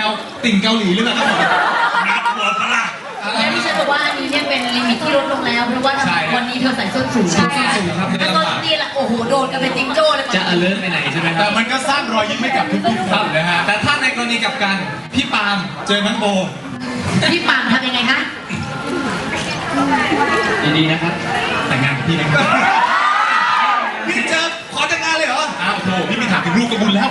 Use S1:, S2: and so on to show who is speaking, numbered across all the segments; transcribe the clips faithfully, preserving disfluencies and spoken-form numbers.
S1: วติ่งเกาหลีหรือเปล่าครับผมนักหัวพละ
S2: แล้วที่ฉันบอกว่าอันนี้เนี่ยเป็นลิมิตที่ลดลงแล้วเพราะว่าวันนี้เธอใส่ส้นสูงใช่ครับแล้วตอนนี้ละโอ้โหโดนกันเป็นจิ๊กโจ้เลย
S3: จะ alert ไปไหนใช่ไหมครั
S1: แต่มันก็สร้างรอยยิ้มให้กับทุกๆคนนะฮะแต่ถ้าในกรณีกับกันพี่ปาล์มเจอน้องโบ
S2: พี่ปาล์มทำยังไงคะ
S3: ดีๆนะครับ
S1: แต่งงานกับพี่นะครับพี่เจอขอแต่งงานเลยเหรออ้าวโธ่พี่ไม่ถามถึงลูกกระบุญแล้ว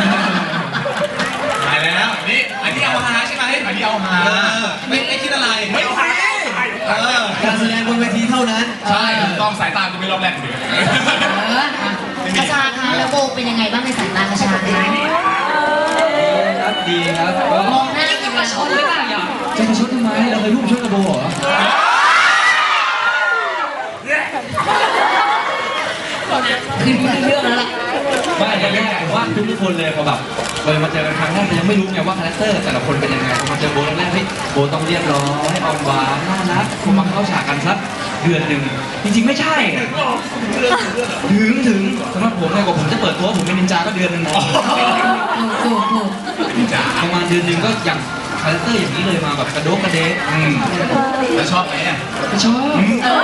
S1: ตายแล้วนี่อันนี้เอาฮาใช่ไหมอันนี้เอาฮาไม่ไม่คิดอะไรไม่ฮา
S3: การแสดงบนเวทีเท่านั้น
S1: ใช่ต้องสายตาคุณไม่รอบแรกเลย
S2: คาชาคะแล้วโบเป็นยังไงบ้างในสายตาคาชาคะ
S3: ครับดีครับ
S2: มองหน้าจะประชดหรือเปล่าอย่า
S3: จะประชดทำไมเราเคยรูปชดกับโบเหรอ
S2: คือเรื่องแล้วแหละ
S3: ไม่อย่างแรกผมว่าทุกๆคนเลยพอแบบเลยมาเจอกันครั้งแรกยังไม่รู้ไงว่าคาแรคเตอร์แต่ละคนเป็นยังไงพอมาเจอโบแรกๆเฮ้ยโบต้องเรียบร้อยอ่อนหวานน่ารักพอมาเข้าฉากกันสักเดือนหนึ่งจริงๆไม่ใช่ถึงถึงสำหรับผมเนี่ยกว่าผมจะเปิดตัวผมเป็นนินจาก็เดือนหนึ่ง
S2: ถูกถูก
S3: ประมาณเดือนหนึ่งก็อย่างคาแรคเตอร์อย่างนี้เลยมาแบบกระโดดกระเดะ
S1: แล้วชอบไหมอ่ะ
S3: ไม่ชอบ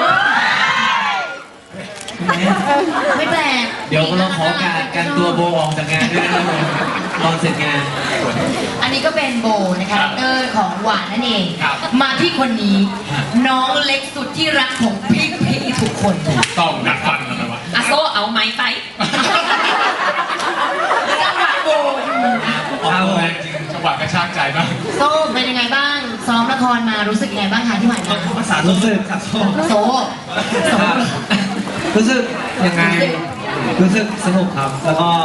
S2: ไม่แปลก
S3: เดี๋ยวเราขอการการตัวโบออกจากงานด้วยนะครับตอนเสร็จงาน
S2: อันนี้ก็เป็นโบในคาแรคเตอร์ของหวานนั่นเองมาที่คนนี้น้องเล็กสุดที่รักของพี่พี่ทุกคน
S1: ต้องดักฟันนะวะ
S2: อาโซเอาไม้ไปจังหวะโบ
S1: เอาแรงจริงจังหวะกระชากใจมาก
S2: โซเป็นยังไงบ้างซ้อมละครมารู้สึกยังไงบ้างคะที่ผ่านมา
S3: ภาษารู้สึกครับโซ
S2: โซ
S3: รู้สึกยังไงรู้สึกสนุกครับแล้วก็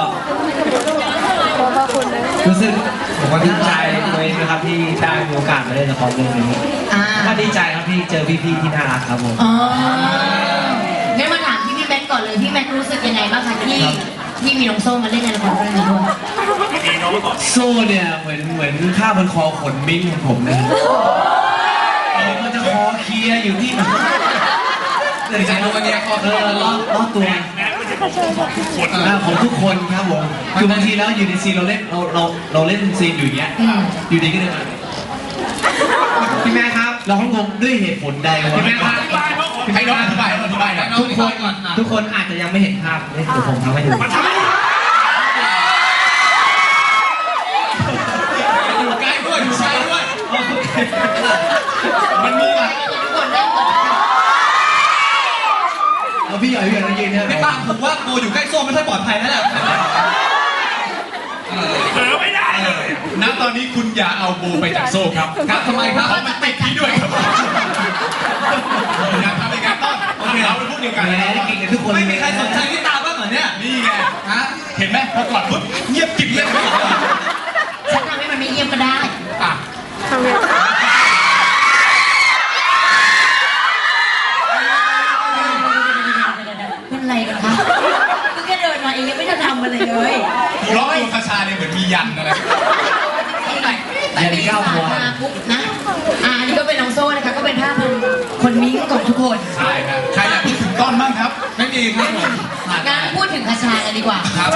S3: รู้สึกผมก็ดีใจเลยนะครับที่ได้มีโอกาสมาเล่นละครเรื่องนี้ก็ดีใจครับที่เจอพี่ๆที่น่ารักครับผม
S2: อ๋องั้นมาถามที่พี่แม็กก่อนเลยพี่แม็กรู้สึกยังไงบ้างคะที่ที่มีน้องโซ่มาเล่นในละครเรื่องนี้ด้วย
S3: โซ่เนี่ยเหมือนเหมือนข้าบนคอขนมิ้งของผมนะมันจะคอเคลียอยู่ที่เดี๋ยวจะรู้วันนี้ก็เออล้อล้อตัวของทุกคนครับผมคือบางทีแล้วอยู่ในซีนเราเล่นเราเราเราเล่นซีนอยู่อย่างเงี้ยอยู่ดีก็เลยพี่แม่ครับเราต้องงงด้วยเหตุผลใดวะพี่แม่ครับ
S1: ให้น้องอธิบายอธิบาย
S3: ทุกคนทุกคนอาจจะยังไม่เห็นภาพเดี๋ยวผมทำให้ดู
S1: อยู่ใกล้ด้วยอยู่ใกล้ด้วยมันมีอะไร
S3: แล้วพี่ใหญ่พี่ใหญ่ต้องยืนเนี่ย
S1: พี่ป้าผมว่าโบอยู่ใกล้โซ่ไม่ค่อยปลอดภัยแล้วแหละเผลอไม่ได้ณตอนนี้คุณอย่าเอาโบไปจากโซ่ครับครับทำไมครับเพราะมันติดที่ด้วยครับอยากทำในการต้อนโอเคเราเป็นพวกเดียวกัน
S3: เก่งกันทุกคน
S1: ไม่มีใครสนใจพี่ตาบ้างเหรอเนี่ยนี่ไงฮะเห็นไหมพอกอดปุ๊บเงียบกิ๊บเลย
S2: ฉันทำให้มันไม่เงียบก็ได้
S1: อ่ะทำไง
S2: เป็นไรกันคะคือแค่เดินมาเองยังไม่ได้ทำอะไรเลย
S1: ร้อยคาชาเนี่ยเหมือนมียันอะไร
S2: แต่มีข่าวมาปุ๊บนะอ่านี่ก็เป็นน้องโซ่นะคะก็เป็นภาพคนมิ้งของทุกคน
S1: ใช่ครับใครอยากพูดถึงต้นบ้างครับไม่มีครับผม
S2: งั้นพูดถึงคาชากันดีกว่า
S1: ครับ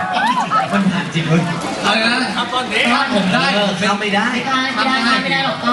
S3: มันผ่านจริงเลย
S1: อะไรนะ
S3: ต้นนี้ผมได้
S1: ผมไม่ได้
S2: ไม่ได้ไม่ได้ไม่ได้หรอก